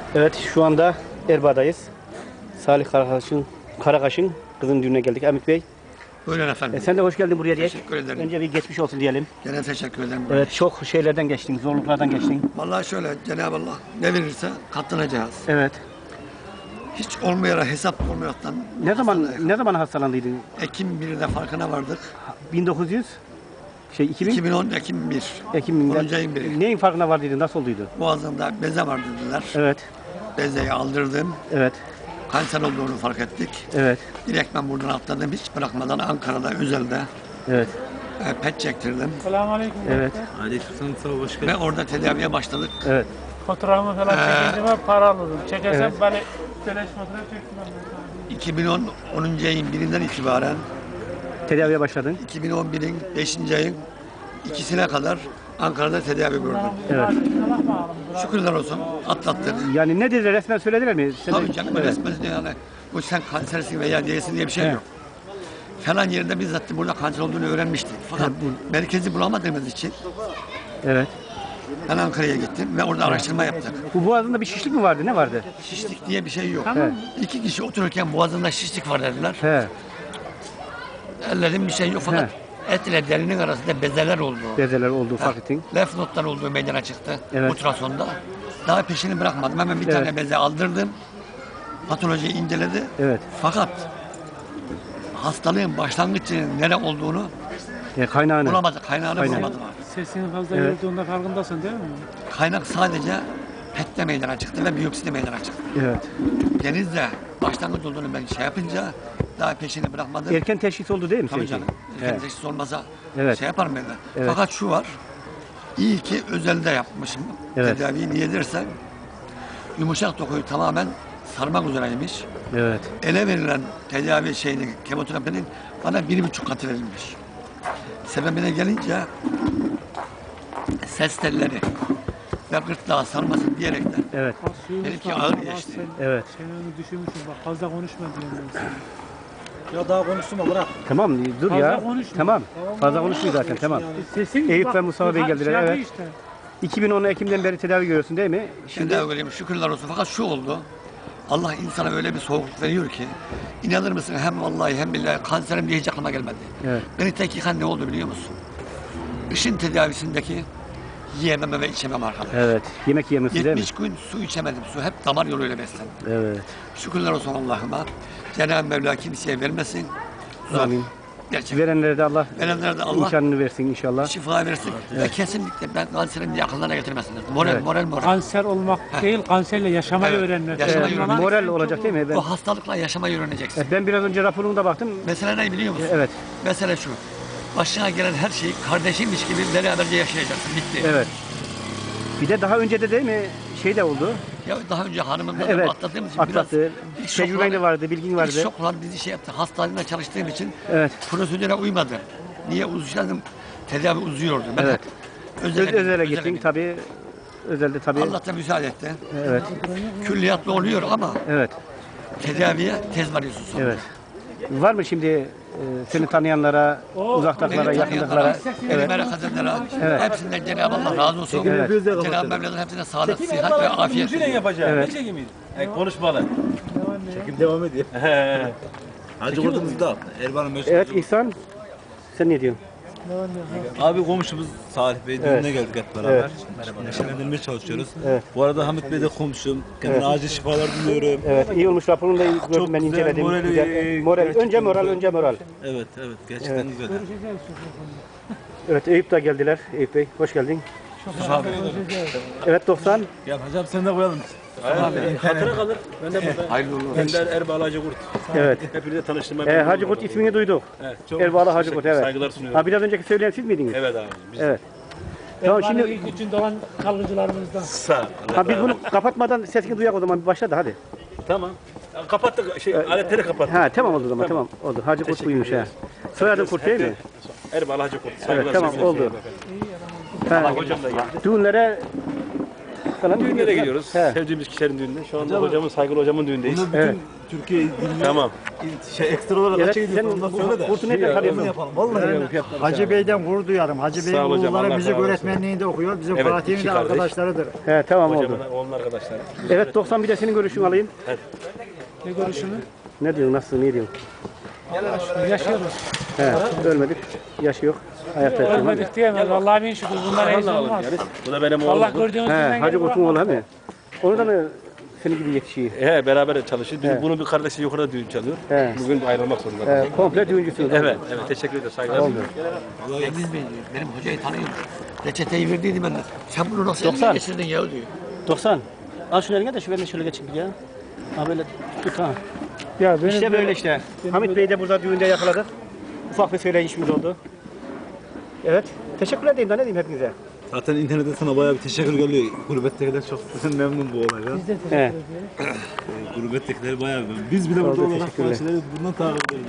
Evet, şu anda Erbaa'dayız. Salih Karakaş'ın kızın düğününe geldik. Hamit Bey, Buyurun efendim. sen de hoş geldin buraya diye. Teşekkür ederim. Önce bir geçmiş olsun diyelim. Gene teşekkür ederim. Evet, çok şeylerden geçtin, zorluklardan geçtin. Vallahi şöyle, Cenab-ı Allah ne verirse katlanacağız. Evet. Hiç olmayarak, hesap olmayaraktan. Ne zaman hastalandıydın? Ekim 1'de farkına vardık. 2000? 2010 Ekim 1. Ekim'den. 10. ayın 1'i. Neyin farkına vardıydın? Nasıl olduydu? Boğazımda beze var dediler. Evet. Bezeyi aldırdım. Evet. Kanser olduğunu fark ettik. Evet. Direkt ben buradan atladım. Hiç bırakmadan Ankara'da, özelde Evet. pet çektirdim. Selamünaleyküm. Evet. Aleykümselam, sağ ol, hoş geldin. Ve orada tedaviye başladık. Evet. Faturamı falan çekince ben para alırım. Çekersem Evet. beni beleş fatura çektim. 2010 10. ayın 1'inden itibaren Tedaviye başladın. 2011'in 5. ayın ikisine kadar Ankara'da tedavi gördüm. Evet. Şükürler olsun atlattık. Yani ne dediler? Resmen söylediler mi? Tabii canım Evet. resmen yani bu sen kansersin veya değilsin diye bir şey Evet. yok. Falan yerinde bizzat burada kanser olduğunu öğrenmiştik. Fakat merkezi bulamadığımız için Evet. ben Ankara'ya gittim ve orada araştırma yaptık. Bu boğazında bir şişlik mi vardı? Ne vardı? Şişlik diye bir şey yok. Evet. İki kişi otururken boğazında şişlik var dediler. He. Ellerim bir şey yok fakat et ile derinin arasında bezeler oldu. Bezeler olduğu fark ettin. Lef notlar olduğu meydana çıktı Evet. ultrasonda. Daha peşini bırakmadım. Hemen bir Evet. tane beze aldırdım. Patolojiyi inceledi. Evet. Fakat hastalığın başlangıcının nere olduğunu Kaynağını. bulamadık. Kaynağını Kaynağı. bulamadılar. Sesinin fazla Evet. yorulduğunda farkındasın değil mi? Kaynak sadece PET'te meydana çıktı ve biyopside meydana çıktı. Evet. Denizde başlangıç olduğunu ben şey yapınca daha peşini bırakmadım. Erken teşhis oldu değil mi? Tabii senin canım. için? Erken Evet. teşhis olmasa Evet. şey yaparım ben de. Evet. Fakat şu var. İyi ki özelde yapmışım Evet. tedaviyi. Niye dersen yumuşak dokuyu tamamen sarmak üzereymiş. Evet. Ele verilen tedavi şeyinin, kemoterapinin bana 1,5 katı verilmiş. Sebebine gelince ses telleri ve gırtlağı sarmasın diyerekten Evet. benimki ağır geçti. Evet. Çeneni düşürmüşsün bak fazla konuşma diyorum ben sana. Ya daha konuştum ama bırak. Tamam dur Fazla ya. konuşma. Tamam. Fazla konuşmuyor zaten. Tamam. Sesin Eyüp bak, ve Mustafa Bey bu geldiler, şey evet. Işte. 2010 Ekim'den beri tedavi görüyorsun değil mi? Şimdi öyleyim şükürler olsun. Fakat şu oldu. Allah insana öyle bir soğukluk veriyor ki inanır mısın hem vallahi hem billahi kanserim diye hiç aklıma gelmedi. Evet. Beni tek yıkan ne oldu biliyor musun? Işın tedavisindeki yiyememe ve içemem arkadaş. Evet. Yemek yemiyorsun değil mi? 70 gün su içemedim. Su hep damar yoluyla beslendim. Evet. Şükürler olsun Allah'ıma. Cenab-ı Mevla kimseye vermesin. Zor. Amin. Gerçekten. Verenlere de Allah Verenlere de Allah imkanını versin inşallah. şifa versin. Ve kesinlikle ben kanserim diye akıllarına getirmesinler. Moral, Evet. moral. Kanser olmak değil, kanserle yaşamayı Evet, öğrenmek. yaşamayı Önemli öğrenmek. olan Moral çok olacak değil mi? Ben, Bu hastalıkla yaşamayı öğreneceksin. ben biraz önce raporuna da baktım. Mesele ne biliyor musun? Evet. Mesele şu. Başına gelen her şeyi kardeşimmiş gibi beraberce yaşayacaksın. Bitti. Evet. Bir de daha önce de değil mi şey de oldu. Ya daha önce hanımımla Evet. atlattığımız için Atlattı. ilk Tecrüben de vardı, bilgin vardı. İlk şoklar bizi şey yaptı. Hastanede çalıştığım için Evet. prosedüre uymadım. Niye uzaydım? Tedavi uzuyordu. Ben Evet. Özele gittim. gittin tabii. Özelde tabii. Allah da müsaade etti. Evet. Külliyatlı oluyor ama Evet. tedaviye tez varıyorsun sonra. Evet. Var mı şimdi seni tanıyanlara, uzaktaklara, Beni yakındıklara? tanıyanlara, beni Evet. merak edenlere, Evet. hepsinden Cenab-ı Allah razı olsun. Evet. Cenab-ı Mevla'nın hepsine sağlık, sıhhat ve afiyet. Çekim yapacağım. Evet. Ne çekimiydi? Konuşmalı. Çekim devam ediyor. Hacı Kurt'umuz da Erban'ın meşhur. Evet İhsan, sen ne diyorsun? Abi komşumuz Salih Bey düğününe Evet. geldik hep beraber. Evet. Neşelendirmeye çalışıyoruz. Evet. Bu arada Hamit Bey de komşum. Kendine acil şifalar diliyorum. Evet, iyi olmuş raporunu da gördüm Çok ben güzel, inceledim. morali, Güzel. Moral, önce gerçekten moral, güzel. önce moral. Evet, gerçekten Evet. güzel. Evet, Eyüp da geldiler. Eyüp Bey, hoş geldin. Evet, 90. Gel hocam sen de koyalım. Hatıra kalır. Ben de burada. Hayırlı uğurlu olsun. Ender Erbal Hacı Kurt. Evet. Hepinize tanıştırma. Hacı Kurt ismini duyduk. Evet, çok Erbalı Hacı Kurt, evet. Saygılar sunuyorum. Ha, biraz önceki söyleyen siz miydiniz? Evet abi. Biz Evet. Tamam Şimdi şimdi, ilk için doğan kalgıcılarımızdan. sağ. ha, biz bunu kapatmadan sesini duyak o zaman bir başla da hadi. Tamam. Kapattık. Aletleri kapattık. Ha, tamam oldu o zaman, tamam oldu. Hacı Kurt buymuş ha. Soyadın Kurt değil mi? Erbal Hacı Kurt. Evet, tamam oldu. Ha, Hocam da geldi. düğünlere falan Düğünlere gidiyoruz. He. Sevdiğimiz kişilerin düğününe. Şu anda hocamın, saygılı hocamın düğündeyiz. Bunu bütün Evet. Türkiye dinliyor. Tamam. Ekstra olarak Evet, açık ediyorsun. sen Ondan sonra da. kurtu nerede kalıyorsun? Yapalım. Vallahi. Hacı Bey'den gurur duyarım. Hacı Bey'in Sağ ol hocam, oğulları Allah müzik razı olsun. öğretmenliğinde okuyor. Bizim Evet, Fatih'in iki de kardeş. arkadaşlarıdır. He tamam oldu. Hocamın, onun arkadaşları. Evet 90 bir de senin görüşünü alayım. Ne görüşümü? Ne diyorsun nasılsın ne diyorsun? Yaşıyoruz. He ölmedik. Yaşı yok. Hayatta yaşıyoruz. Ölmedik diyemez. Allah'a bin şükür. Bunlar hiç Allah olmaz. yani. Bu da benim Allah oğlum. gördüğünüz He günden Hacı gelip Kurt'un oğlu bırakmaz. he mi? Onu da mı senin gibi yetişiyor? He beraber çalışıyor. He. Bunun bir kardeşi yukarıda düğün çalıyor. He. Bugün ayrılmak zorunda. He, komple düğüncüsün. Evet, evet. Teşekkür ederim. Saygılar. Oldu. Cengiz Bey diyor, benim hocayı tanıyorum. Reçeteyi verdiydi ben de. Sen bunu nasıl 90. eline geçirdin ya diyor. 90. Al şunu eline de şu ben de şöyle geçeyim bir ya. Ha böyle tut ha. Ya benim İşte böyle işte. Hamit Bey'i de burada düğünde yakaladık. Ufak bir söyleyişimiz oldu. Evet. Teşekkür edeyim da ne diyeyim hepinize. Zaten internette sana bayağı bir teşekkür geliyor. Gurbettekiler çok memnun bu olaydan. Biz de teşekkür He. ediyoruz. Gurbettekiler bayağı memnun. Biz bile burada Oldu, olarak teşekkürler. karşıları bundan takip ediyoruz.